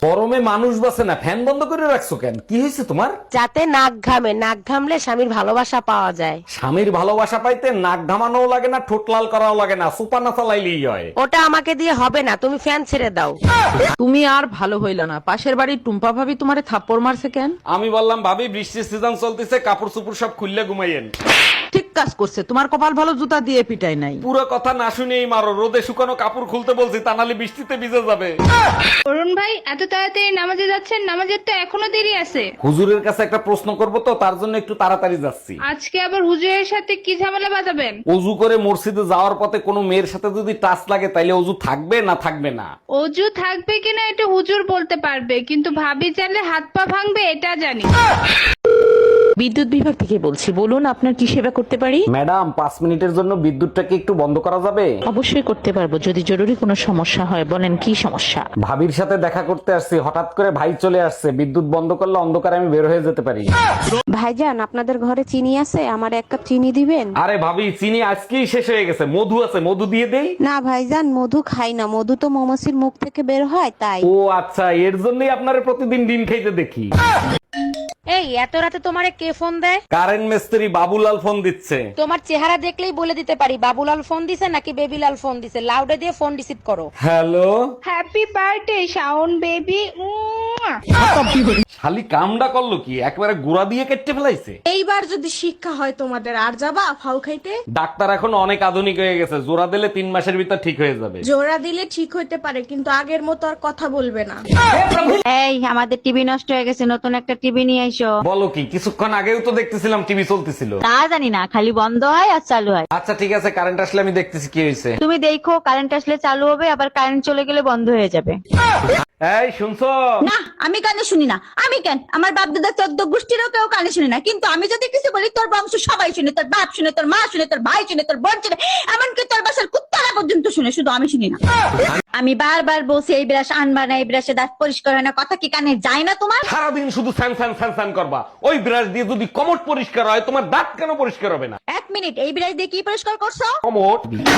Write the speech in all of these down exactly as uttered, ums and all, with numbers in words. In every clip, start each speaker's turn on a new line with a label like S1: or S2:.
S1: গরমে মানুষ বাসে না, ফ্যান বন্ধ করে রাখছো কেন? কি হয়েছে তোমার?
S2: যাতে নাক ঘামে, নাক ঘামলে স্বামীর ভালোবাসা পাওয়া যায়।
S1: স্বামীর ভালোবাসা পাইতে নাক ঘামানোও লাগে না, ঠোঁট লাল করাও লাগে না, সুপার না চালাইলেই হয়।
S2: ওটা আমাকে দিয়ে হবে না, তুমি ফ্যান ছেড়ে দাও।
S3: তুমি আর ভালো হইল না। পাশের বাড়ির টুম্পা ভাবি তোমারে থাপ্পড় মারছে কেন?
S1: আমি বললাম ভাবি বৃষ্টির সিজন চলতেছে, কাপড় চুপড় সব খুললে ঘুমাইয়েন।
S3: ঠিক কাজ করছে, তোমার কপাল ভালো জুতা দিয়ে পিটাই নাই।
S1: পুরো কথা না শুনেই মারো, রোদে শুকানো কাপড় খুলতে বলছি, তা নাহলে বৃষ্টিতে ভিজে যাবে।
S4: অরুণ ভাই এত তাড়াতাড়ি নামাজে যাচ্ছেন? নামাজের তো এখনো দেরি আছে।
S1: হুজুরের কাছে একটা প্রশ্ন করব তো, তার জন্য একটু তাড়াতাড়ি যাচ্ছি।
S4: আজকে আবার হুজুরের সাথে কি ঝামেলা বাঁধাবেন?
S1: অজু করে মসজিদে যাওয়ার পথে কোনো মেয়ের সাথে যদি টাচ লাগে, তাইলে অজু থাকবে না থাকবে না?
S4: অজু থাকবে কিনা এটা হুজুর বলতে পারবে, কিন্তু ভাবি চাইলে হাত পা ভাঙবে এটা জানি।
S5: বিদ্যুৎ বিভাগ থেকে বলছি, বলুন আপনার কি সেবা করতে পারি?
S1: ম্যাডাম, পাঁচ মিনিটের জন্য বিদ্যুৎটাকে একটু বন্ধ করা যাবে?
S5: অবশ্যই করতে পারবো, যদি জরুরি কোনো সমস্যা হয়। বলেন কি সমস্যা?
S1: ভাবির সাথে দেখা করতে আসছি, হঠাৎ করে ভাই চলে আসছে, বিদ্যুৎ বন্ধ করলে অন্ধকারে আমি বের হয়ে যেতে পারি।
S6: ভাইজান, আপনাদের ঘরে চিনি আছে? আমার এক কাপ চিনি দিবেন?
S1: আরে ভাবি, চিনি আজকেই শেষ হয়ে গেছে, মধু আছে, মধু দিয়ে দেই?
S6: না ভাইজান, মধু খাই না, মধু তো মৌমাছির মুখ থেকে বের হয় তাই।
S1: ও আচ্ছা, এর জন্যই আপনারে প্রতিদিন ডিম খাইতে দেখি।
S2: এই এত রাতে তোমারে কে ফোন দেয়?
S1: কারেন্ট মিস্ত্রি বাবুলাল ফোন দিচ্ছে।
S2: তোমার চেহারা দেখলেই বলে দিতে পারি বাবুলাল ফোন দিছে নাকি বেবিলাল ফোন দিছে। লাউডে দিয়ে ফোন রিসিভ করো।
S1: Hello,
S4: happy birthday Shaon baby.
S1: শালি কামডা করলো কি, একবারে গুড়া দিয়ে কেটে ফেলাইছে।
S7: এইবার যদি শিক্ষা হয় তোমাদের, আর যাবা ফাউ খাইতে?
S1: ডাক্তার এখন অনেক আধুনিক হয়ে গেছে, জোড়া দিলে তিন মাসের ভিতর ঠিক হয়ে যাবে।
S7: জোড়া দিলে ঠিক হইতে পারে, কিন্তু আগের মতো আর কথা বলবে না।
S8: এই আমাদের টিভি নষ্ট হয়ে গেছে, নতুন একটা টিভি নিয়ে আইসো।
S1: বলো কি, কিছুক্ষণ আগেও তো দেখতেছিলাম টিভি চলতেছিল।
S8: তা জানি না, খালি বন্ধ হয় আর চালু হয়।
S1: আচ্ছা ঠিক আছে, কারেন্ট আসলে আমি দেখতেছি কি হয়েছে।
S8: তুমি দেখো, কারেন্ট আসলে চালু হবে, আবার কারেন্ট চলে গেলে বন্ধ হয়ে যাবে।
S1: এই শুনছো?
S9: না, আমি কানে শুনি না। আমি কেন, আমার বাপ দাদা চোদ্দ গোষ্ঠীরও কেউ কানে শুনি না, কিন্তু আমি যদি কিছু বলি তোর বংশ সবাই শুনে, তোর বাপ শুনে, তোর মা শুনে, তোর ভাই শুনে, তোর বোন শুনে, এমনকি তোর বাসার কুত্তারা পর্যন্ত শুনে, শুধু আমি শুনি না। আমি বারবার বলছি এই ব্রাশ আনবা না, এই ব্রাশে দাঁত পরিষ্কার হয় না, কথা কি কানে যায় না তোমার?
S1: সারাদিন শুধু ফ্যান ফ্যান ফ্যান ফ্যান করবা। ওই ব্রাশ দিয়ে যদি কমট পরিষ্কার হয়, তোমার দাঁত কেন পরিষ্কার হবে না?
S9: এক মিনিট, এই ব্রাশ দিয়ে কি পরিষ্কার করছো?
S1: কমট।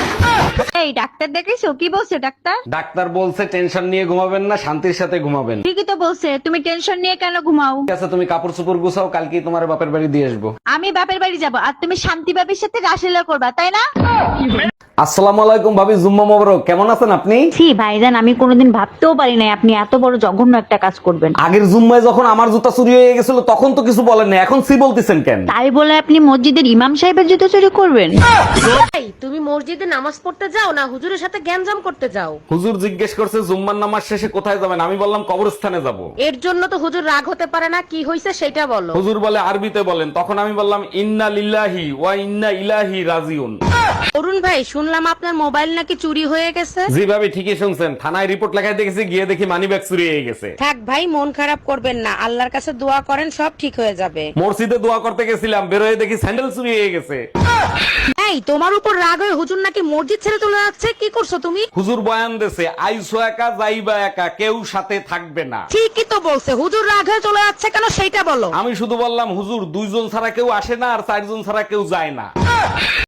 S8: এই ডাক্তার দেখেছো? কি বলছে ডাক্তার?
S1: ডাক্তার বলছে টেনশন নিয়ে ঘুমাবেন না, শান্তির সাথে ঘুমাবেন।
S8: ঠিকই তো বলছে, তুমি টেনশন নিয়ে কেন ঘুমাও?
S1: ঠিক আছে, তুমি কাপড় চোপড় গুছাও, কালকেই তোমার বাপের বাড়ি দিয়ে আসবো।
S8: আমি বাপের বাড়ি যাব আর তুমি শান্তি বাবির সাথে রাসলীলা করবা, তাই না?
S1: আসসালামু আলাইকুম ভাবি, জুম্মা মোবারক। কেমন আছেন আপনি?
S8: ছি ভাইজান, আমি কোনোদিন ভাবতেও পারি নাই আপনি এত বড় জঘন্য একটা কাজ করবেন।
S1: আগের জুম্মায় যখন আমার জুতা চুরি হয়ে গেছিল, তখন তো কিছু বলেন না, এখন সি বলতেছেন কেন?
S8: তাই বলে আপনি মসজিদের ইমাম সাহেবের জুতো চুরি করবেন?
S2: এই, তুমি মসজিদে নামাজ পড়তে যাও না হুজুরের সাথে গ্যাঞ্জাম করতে যাও?
S1: হুজুর জিজ্ঞেস করছে জুম্মার নামাজ শেষে কোথায় যাবেন, আমি বললাম কবরস্থানে যাব।
S2: এর জন্য তো হুজুর রাগ হতে পারে না, কি হয়েছে সেটা বলো।
S1: হুজুর বলে আরবিতে বলেন, তখন আমি বললাম ইন্না লিল্লাহি ওয়া ইন্না ইলাইহি রাজিউন।
S2: অরুণ ভাই, শুনলাম আপনার মোবাইল নাকি চুরি হয়ে গেছে।
S1: জি ভাবি, ঠিকই শুনছেন, থানায় রিপোর্ট লেখায় দেখেছি, গিয়ে দেখি মানি ব্যাগ চুরি হয়ে গেছে।
S2: থাক ভাই, মন খারাপ করবেন না, আল্লাহর কাছে দোয়া করেন, সব ঠিক হয়ে যাবে।
S1: মসজিদে দোয়া করতে গেছিলাম, বেরোয় দেখি স্যান্ডেল চুরি হয়ে গেছে।
S2: এই, তোমার উপর রাগ হয়ে হুজুর নাকি মসজিদ ছেড়ে চলে যাচ্ছে, কি করছো তুমি?
S1: হুজুর বয়ান দেছে, আইসো একা যাইবা একা, কেউ সাথে থাকবে না।
S2: ঠিকই তো বলছে, হুজুর রাগ হয়ে চলে যাচ্ছে কেন সেইটা বলো।
S1: আমি শুধু বললাম হুজুর দুইজন ছাড়া কেউ আসে না, আর চারজন ছাড়া কেউ যায় না।